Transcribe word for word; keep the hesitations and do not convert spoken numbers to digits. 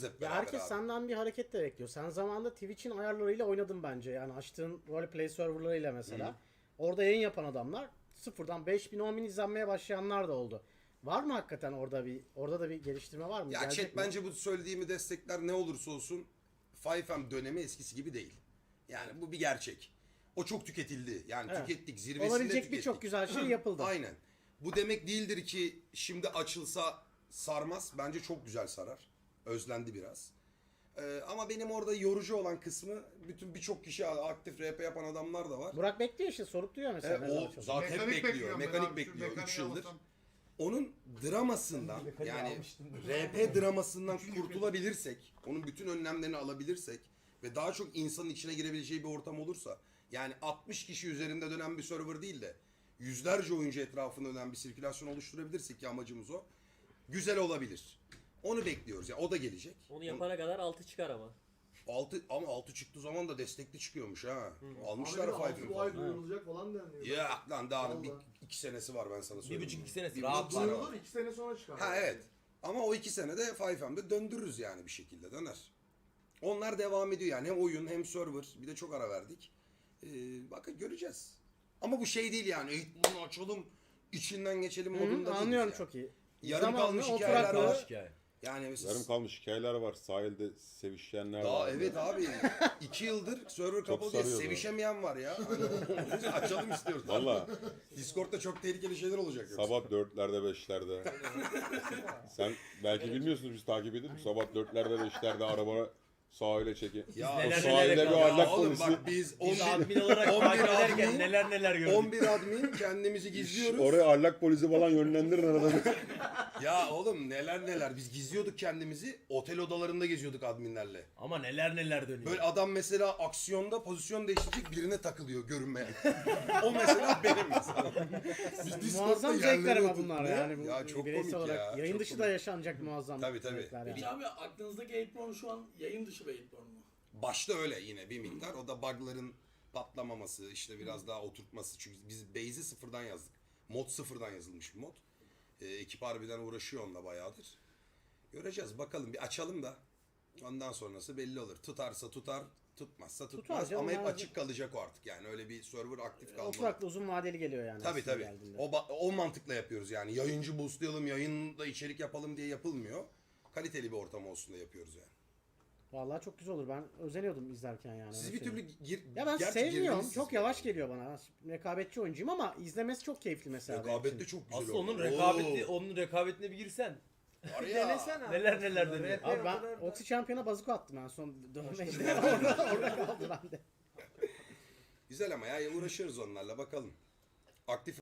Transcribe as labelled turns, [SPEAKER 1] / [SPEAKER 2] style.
[SPEAKER 1] Hep
[SPEAKER 2] Ya
[SPEAKER 1] beraber
[SPEAKER 2] herkes
[SPEAKER 1] abi.
[SPEAKER 2] senden bir hareket de bekliyor. Sen zamanında Twitch'in ayarlarıyla oynadın bence. Yani açtığın roleplay serverlarıyla mesela.
[SPEAKER 1] Hı.
[SPEAKER 2] Orada yayın yapan adamlar sıfırdan beş bin on bin izlenmeye başlayanlar da oldu. Var mı hakikaten orada bir orada da bir geliştirme var mı?
[SPEAKER 1] Ya
[SPEAKER 2] Gelecek
[SPEAKER 1] chat
[SPEAKER 2] mi?
[SPEAKER 1] bence bu söylediğimi destekler, ne olursa olsun beş M dönemi eskisi gibi değil. Yani bu bir gerçek. O çok tüketildi. Yani
[SPEAKER 2] Evet.
[SPEAKER 1] tükettik, zirvesinde
[SPEAKER 2] Olabilecek
[SPEAKER 1] tükettik.
[SPEAKER 2] birçok güzel şey yapıldı.
[SPEAKER 1] Aynen. Bu demek değildir ki şimdi açılsa sarmaz. Bence çok güzel sarar. Özlendi biraz. Ee, ama benim orada yorucu olan kısmı, bütün birçok kişi aktif R P yapan adamlar da var.
[SPEAKER 2] Burak bekliyor işte, sorup duruyor mesela.
[SPEAKER 1] E,
[SPEAKER 2] ne zaman
[SPEAKER 1] o
[SPEAKER 2] açılacak.
[SPEAKER 1] zaten hep
[SPEAKER 3] Mekanik
[SPEAKER 1] bekliyor.
[SPEAKER 3] bekliyorum ben
[SPEAKER 1] Mekanik
[SPEAKER 3] abi, şu
[SPEAKER 1] bekliyor üç
[SPEAKER 3] mekaniği
[SPEAKER 1] yıldır.
[SPEAKER 3] alırsam.
[SPEAKER 1] Onun dramasından, yani R P dramasından kurtulabilirsek, onun bütün önlemlerini alabilirsek ve daha çok insanın içine girebileceği bir ortam olursa, yani altmış kişi üzerinde dönen bir server değil de yüzlerce oyuncu etrafında dönen bir sirkülasyon oluşturabilirsek, ki amacımız o, güzel olabilir. Onu bekliyoruz ya, o da gelecek.
[SPEAKER 4] Onu yapana kadar altı çıkar ama.
[SPEAKER 1] Altı, ama altı çıktığı zaman da destekli çıkıyormuş ha. Almışlar
[SPEAKER 5] Abi
[SPEAKER 1] Five'ı
[SPEAKER 5] bu ay
[SPEAKER 1] falan.
[SPEAKER 5] duyurulacak falan deniliyor.
[SPEAKER 1] Ya lan daha bir,
[SPEAKER 5] Vallahi.
[SPEAKER 1] iki senesi var, ben sana
[SPEAKER 6] Bir
[SPEAKER 1] söyleyeyim.
[SPEAKER 6] buçuk iki senesi
[SPEAKER 1] Bir
[SPEAKER 6] rahat
[SPEAKER 1] buçuk
[SPEAKER 6] var.
[SPEAKER 1] sene
[SPEAKER 5] Duyurulur iki sene sonra çıkar.
[SPEAKER 1] Ha evet. Ama o iki senede beş M'de döndürürüz yani, bir şekilde döner. Onlar devam ediyor yani, hem oyun hem server, bir de çok ara verdik. Ee, bakın göreceğiz. Ama bu şey değil yani, eğitmeni açalım içinden geçelim
[SPEAKER 2] Hı
[SPEAKER 1] modunda
[SPEAKER 2] hı,
[SPEAKER 1] değiliz
[SPEAKER 2] anlıyorum
[SPEAKER 1] yani.
[SPEAKER 2] çok iyi.
[SPEAKER 1] Yarım
[SPEAKER 2] Zamanlı,
[SPEAKER 1] kalmış hikayeler
[SPEAKER 2] oturaklı.
[SPEAKER 1] var.
[SPEAKER 6] Hikaye.
[SPEAKER 1] Yani mesela
[SPEAKER 7] Yarım kalmış hikayeler var. Sahilde sevişenler
[SPEAKER 1] daha
[SPEAKER 7] var.
[SPEAKER 1] evet abi, iki yıldır server kapalı diye
[SPEAKER 7] sarıyordu.
[SPEAKER 1] sevişemeyen var ya. Hani açalım istiyoruz.
[SPEAKER 7] Valla
[SPEAKER 1] Discord'da çok tehlikeli şeyler olacak yoksa.
[SPEAKER 7] sabah dörtlerde beşlerde. Sen belki bilmiyorsunuz, biz takip edip sabah dörtlerde beşlerde arabana sahile çekin.
[SPEAKER 1] Ya
[SPEAKER 7] O
[SPEAKER 6] neler
[SPEAKER 7] sahilde
[SPEAKER 6] neler
[SPEAKER 7] bir
[SPEAKER 6] ya
[SPEAKER 7] ahlak
[SPEAKER 1] oğlum
[SPEAKER 7] polisi.
[SPEAKER 1] bak, biz on
[SPEAKER 6] Biz
[SPEAKER 1] bir
[SPEAKER 6] admin olarak
[SPEAKER 1] on bir
[SPEAKER 6] takip ederken
[SPEAKER 1] admin-
[SPEAKER 6] neler neler gördük.
[SPEAKER 1] on bir admin kendimizi gizliyoruz.
[SPEAKER 7] Oraya ahlak polisi falan yönlendirin arada bir.
[SPEAKER 1] Ya oğlum neler neler, biz gizliyorduk kendimizi, otel odalarında geziyorduk adminlerle.
[SPEAKER 6] Ama neler neler dönüyor.
[SPEAKER 1] Böyle adam mesela aksiyonda pozisyon değiştirecek, birine takılıyor görünmeyen. O mesela benim mesela. Biz Discord'da
[SPEAKER 2] Muazzam
[SPEAKER 1] yerlere
[SPEAKER 2] zevkler ama
[SPEAKER 1] oturduk.
[SPEAKER 2] bunlar
[SPEAKER 1] Ne?
[SPEAKER 2] yani. Bu
[SPEAKER 1] Ya çok
[SPEAKER 2] bireysel
[SPEAKER 1] komik
[SPEAKER 2] olarak.
[SPEAKER 1] ya.
[SPEAKER 2] Yayın
[SPEAKER 1] çok
[SPEAKER 2] dışı
[SPEAKER 1] komik.
[SPEAKER 2] da yaşanacak muazzam
[SPEAKER 1] Tabii, tabii.
[SPEAKER 2] zevkler yani.
[SPEAKER 5] Peki abi aklınızdaki Eightborn şu an yayın dışı bir Eightborn mu?
[SPEAKER 1] Başta öyle yine bir miktar. O da bug'ların patlamaması, işte biraz daha oturtması. Çünkü biz base'i sıfırdan yazdık. Mod sıfırdan yazılmış bir mod. Ee, ekip harbiden uğraşıyor onunla bayağıdır. Göreceğiz bakalım, bir açalım da ondan sonrası belli olur. Tutarsa tutar, tutmazsa tutmaz.
[SPEAKER 2] Tutar canım,
[SPEAKER 1] Ama hep
[SPEAKER 2] yani.
[SPEAKER 1] açık kalacak o artık yani. Öyle bir server aktif kalmalı.
[SPEAKER 2] Oturaklı uzun vadeli geliyor yani.
[SPEAKER 1] Tabii
[SPEAKER 2] aslında
[SPEAKER 1] tabii.
[SPEAKER 2] geldiğinde.
[SPEAKER 1] O, ba- o mantıkla yapıyoruz yani. Yayıncı boostlayalım, yayında içerik yapalım diye yapılmıyor. Kaliteli bir ortam olsun da yapıyoruz yani.
[SPEAKER 2] Vallahi çok güzel olur. Ben özeniyordum izlerken yani.
[SPEAKER 1] Siz
[SPEAKER 2] öyle
[SPEAKER 1] bir
[SPEAKER 2] söyleyeyim.
[SPEAKER 1] türlü gir...
[SPEAKER 2] Ya ben
[SPEAKER 1] gerçi
[SPEAKER 2] sevmiyorum.
[SPEAKER 1] girdiniz
[SPEAKER 2] Çok
[SPEAKER 1] siz.
[SPEAKER 2] yavaş geliyor bana. Rekabetçi oyuncuyum ama izlemesi çok keyifli mesela. benim
[SPEAKER 1] Rekabette
[SPEAKER 2] için.
[SPEAKER 1] çok güzel
[SPEAKER 6] Asıl onun
[SPEAKER 1] oldu.
[SPEAKER 6] rekabeti,
[SPEAKER 1] Oo.
[SPEAKER 6] onun rekabetine bir girsen.
[SPEAKER 1] Var ya.
[SPEAKER 6] Neler neler dönüyor.
[SPEAKER 2] Abi ben Oxy Champion'a bazuka attım en son dönmecide. orada, orada kaldı bende.
[SPEAKER 1] Güzel ama ya, uğraşıyoruz onlarla, bakalım. Aktif